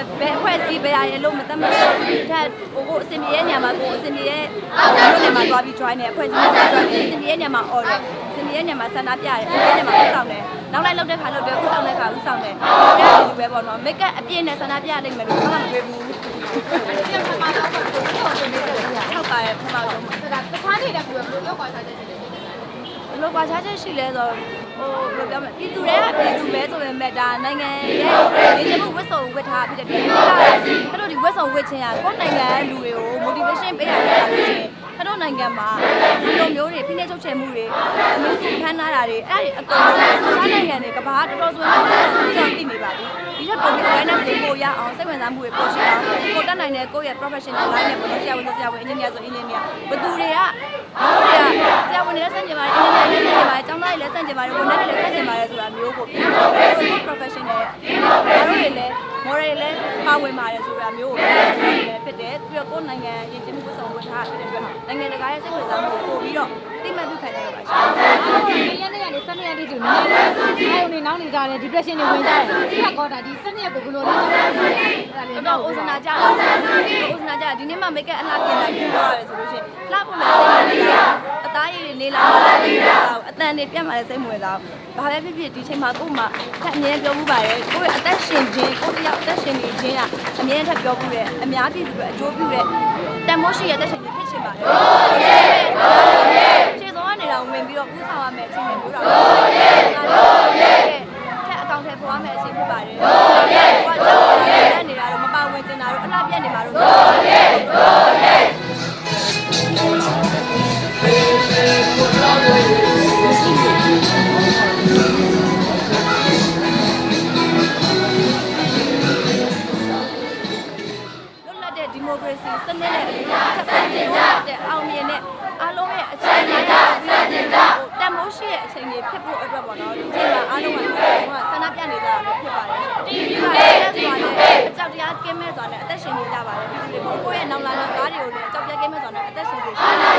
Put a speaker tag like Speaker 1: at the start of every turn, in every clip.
Speaker 1: ဘယ်အဖွဲ့အစည်းပဲရလို့မတတ်မှတ်ဘူးထက်ကိုအစင်ပြေရဲ့ညမှာကိုအစင်ပြေရဲ့မြို့နယ်မှာသွားပြီး join နေအဖွဲ့အစည်းမှာ join နေအစင်ပြေရဲ့ညမှာ order အစင်ပြေရဲ့ညမှာဆန္ဒပြတယ်အစင်ပြေရဲ့ညမှာဥဆောင်တယ်နောက်လိုက်လောက်တဲ့ခါလောက်တယ်ဥဆောင်တဲ့ခါဥဆောင်တယ်ဒါကဒီပဲပေါ့နော် make up အပြည့်နဲ့ဆန္ဒပြနိုင်မယ်လို့ဘာမှမတွေ့ဘူးဟုတ်ပါတယ်ပထမဆုံး
Speaker 2: ဒါ
Speaker 1: တ
Speaker 2: တခြားနေတဲ့ဘူးဘယ်လိုလောက်ကွာစားချက်ရှိလဲ
Speaker 1: ဘယ်လိုကွာခြားချက်ရှိလဲဆိုဘယ်လိုပြောမလဲပြည်သူတွေကပြည်သူပဲဆိုပေမဲ့ဒါနိုင်ငံရဲ့နေမှုဝတ်စုံဝတ်ထားဖြစ်တဲ့အတွက်တို့ဒီဝတ်စုံဝတ်ခြင်းကကိုယ့်နိုင်ငံလူတွေကို motivation ပေးရတာလို့ရှိရင်တို့နိုင်ငံမှာဒီလိုမျိုးတွေဖိနှိပ်ချုပ်ချယ်မှုတွေအမျိုးစုဖမ်းထားတာတွေအဲ့ဒီအကုန်လုံးစားနိုင်ငံတွေကဘာတော်တော်ဆိုရင်သိနေပါပြီဒီထက်ပုံပြီး awareness ကိုရအောင်စိတ်ဝင်စားမှုတွေပို့ရှိအောင်ကိုတက်နိုင်တဲ့ကိုယ့်ရဲ့ professional line နဲ့ပေါ့ဆရာဝန်ဆိုဆရာဝန် engineer ဆို engineer ဘသူတွေကဆရာဝန်တွေလည်းစတင်ပါတယ် engineer တွေလည်းစတင်ပါတယ်ကျောင်းသားတွေလည်းစတင်ပါတယ်ဝန်ထမ်းတွေလည်းစတင်ပါတယ်ဆိုတာမျိုးကို professional တို့တွေလည်း moral တွေလည်းပါဝင်ပါတယ်ဆိုတာမျိုးကိုဖြစ်တယ်ပြီးတော့ကိုယ်နိုင်ငံရည်ကျင်းမှုဆောင်ဝင်ထားတဲ့အတွက်နိုင်ငံတကာရဲ့စိတ်ဝင်စားမှုကိုပို့ပြီးတော့တိမှတ်ပြုခံရတာပါရှင်
Speaker 2: ။ရက်နေ့ကနေ12ရက်တိကျနည်းနည်းအားနေနောက်နေကြတယ် depression တွေဝင်ကြတယ်။ဒီကောတာဒီ12ရက်ကိုဘယ်လိုလဲ
Speaker 1: ။တော့အိုစနာကြတာ။အိုစနာကြဒီနေ့မှ make up အလှပြင်လိုက်ပြီးတော့ရတယ်ဆိုလို့ရှိရင်လှဖို့လည်းစိတ်ဝင်စားအသားရည်တွေလေးလာမှလည်းအတန်တွေပြတ်မှလည်းစိတ်ဝင်စားဘာပဲဖြစ်ဖြစ်ဒီချိန်မှာကို့မှာထက်အမြဲပြောမှုပါတယ်ကိုယ့်ရဲ့အသက်ရှင်ခြင်းကိုယ့်တယောက်အသက်ရှင်နေခြင်းကအမြဲထပ်ပြောမှုတယ်အများပြည်သူတွေအကျိုးပြုတဲ့တန်မိုးရှိရဲ့အသက်ရှင်ခြင်းဖြစ်ရှင်ပါတယ်ခြေစုံကနေတော့ဝင်ပြီးတော့ပူးဆောင်ရမယ်အချိန်မျိုးတော့ထက်အကောင့်ထဲပေါ်ရမယ်အချိန်ဖြစ်ပါတယ်ကိုကကြောက်နေတာတော့မပါဝင်ကျင်တာတော့အလှပြတ်နေမှာတော့ဒီမိုကရေစီစနစ်နဲ့ဆက်ဆံတဲ့အောင်မြင်တဲ့အားလုံးရဲ့အခြေအနေတွေပြီးတော့တန်မိုးရှိရဲ့အခြေအနေဖြစ်ဖို့အတွက်ပေါ့နော်ဒီချိန်မှာအားလုံးကဆန္ဒပြနေကြတာဖြစ်ပါတယ်ဒီမှာလည်းဆိုတာနဲ့အကြောက်တရားကင်းမဲ့ဆိုတာနဲ့အသက်ရှင်နေကြပါတယ်ဒီကိုယ့်ရဲ့နောက်လာတဲ့ကားတွေကိုလည်းအကြောက်တရားကင်းမဲ့ဆိုတာနဲ့အသက်ရှင်နေကြ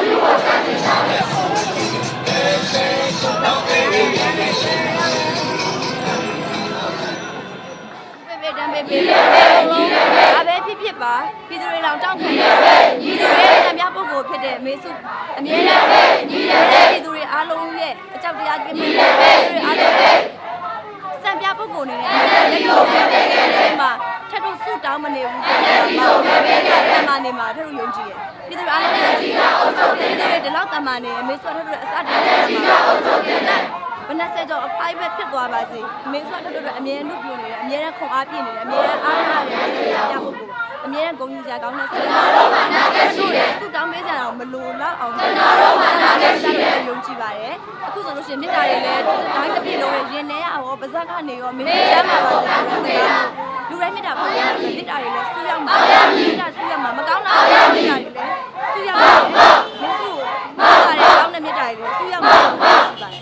Speaker 1: တယ်တံပေးပေးလုံးလုံးအပဲဖြစ်ပါပြည်သူတွေလောင်တောင်းခံတယ်ပြည်သူတွေတံပြပုဂ္ဂိုလ်ဖြစ်တဲ့အမေစုအမြဲတမ်းပြည်သူတွေအားလုံးရဲ့အကြောက်တရားကင်းမဲ့ပြည်သူတွေအားလုံးစံပြပုဂ္ဂိုလ်နေနဲ့လက်တော်ဒီမှာထပ်တော့ဆူတောင်းမနေဘူးဆိုတာတမန်နေမှာထပ်တော့ယုံကြည်ရပြည်သူတွေအားလုံးယုံကြည်ပြည်သူတွေဒီလောက်တမန်နေအမေစုထပ်တော့အစတည်းမှာဘယ်နဲ့ဆက်ကြောအဖိုက်ပဲဖြစ်သွားပါစေမင်းဆိုတော့အမြဲနှုတ်ပြနေတယ်အမြဲတမ်းခွန်အားပြနေတယ်အမြဲတမ်းအားထားတယ်ပြဖို့ကိုအမြဲတမ်းဂုဏ်ယူကြကောင်းတဲ့စိတ်နဲ့သူတောင်းပေးကြတော့မလိုတော့အောင်ကျွန်တော်တို့ကလည်းယုံကြည်ပါတယ်အခုဆိုလို့ရှိရင်မြစ်တာတွေလည်းတိုင်းတစ်ပြေလုံးရဲ့ရင်ထဲရောပါဇက်ကနေရောမင်းချမ်းပါပါလူတိုင်းမြစ်တာပုံရတယ်မြစ်တာတွေလည်းစူးရောက်မှာမြစ်တာစူးရောက်မှာမကောင်းတာမြစ်တာတွေလည်းစူးရောက်မှာမင်းတို့မားပါတယ်ကောင်းတဲ့မြစ်တာတွေလည်းစူးရောက်မှာရှိပါတယ်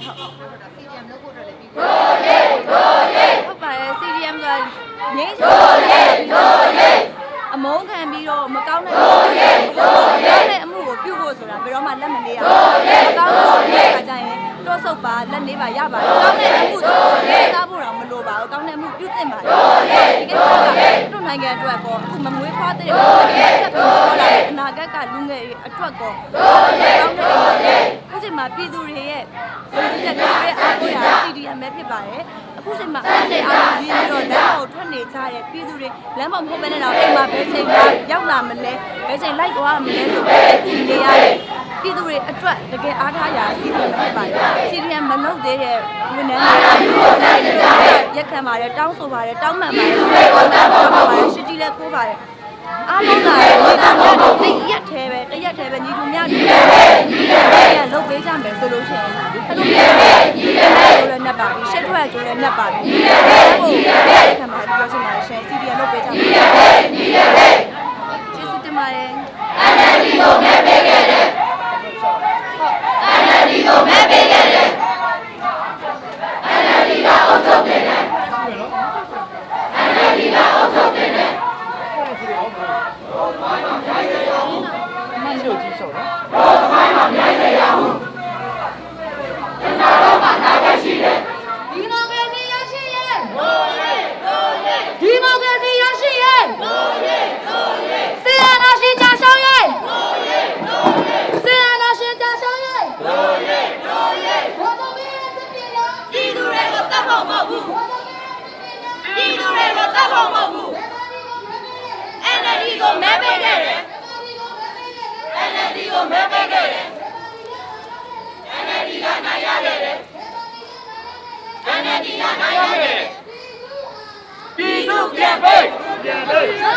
Speaker 1: ဟုတ်ဟုတ်ပါတယ် CDM ကငိမ့်ဆိုအမုန်းခံပြီးတော့မကောင်းတဲ့အမှုကိုပြုဖို့ဆိုတာဘယ်တော့မှလက်မနေရဘူးမကောင်းတဲ့အခါကျရင်တော့ဆုတ်ပါလက်နေပါရပါတယ်ကောင်းတဲ့အမှုဆိုရင်စားဖို့တော့မလိုပါဘူးကောင်းတဲ့အမှုပြုသင့်ပါတယ်ဒီကိစ္စကတို့နိုင်ငံအတွက်ကောအခုမမွေးဖွားတဲ့ဆက်ပြီးတော့လာတဲ့အနာဂတ်ကလူငယ်တွေအတွက်ကောကောင်းတဲ့အရာအခုချိန်မှာပြည်သူတွေရဲ့လူကြီးတဲ့ပြည်တွေအားကိုးရ CDM ပဲဖြစ်ပါတယ်အခုချိန်မှာအဲ့ဒီအားလုံးပြီးတော့လမ်းပေါ်ထွက်နေကြတဲ့ပြည်သူတွေလမ်းပေါ်မဟုတ်ဘဲနဲ့တော့အိမ်မှာဘယ်ချိန်မှရောက်လာမလဲဘယ်ချိန်လိုက်သွားမလဲဆိုတော့အခုနေရတဲ့ပြည်သူတွေအတွက်တကယ်အားထားရာစီစဉ်ဖြစ်ပါတယ်။ CDM မလုပ်သေးတဲ့ဝန်ထမ်းတွေရက်ခံပါတယ်တောင်းဆိုပါတယ်တောင်းပန်ပါတယ်ရှိကြီးလည်းခိုးပါတယ်အားလုံးကညီတူများတရက်သေးပဲညီတူများတွေလုပ်ပေးကြမယ်ဆိုလို့ရှိရင်အဲ့လိုမျိုးလည်းနှက်ပါပြီရှက်ထွက်ကြိုးလည်းနှက်ပါပြီဟုတ်ရက်ခံပါတယ်ပြောချင်ပါတယ်ရှင် CDM လုပ်ပေးကြမယ်ကျေးဇူးတင်ပါတယ်
Speaker 3: NLD ကိုမဲပေးခဲ့တယ်NLD ကိုမဲပေးခဲ့တယ် NLD ကအုပ်ချုပ်တယ်NLD ကအုပ်ချုပ်တယ်
Speaker 4: 慢就举手了。
Speaker 3: 我买嘛免费呀！那老板哪个去的？
Speaker 2: ဒီမိုကရေစီရရှိရဲ့
Speaker 3: 努力努力，
Speaker 2: ဒီမိုကရေစီရရှိရဲ့
Speaker 1: မဲပေးခဲ့တယ်
Speaker 3: NLD ကိုမဲပေးခဲ့တယ် NLD ကနိုင်ရခဲ့တယ် NLD ကနိုင်ရခဲ့တယ်ပြည်သူပြန်ပေးပြန်ပေး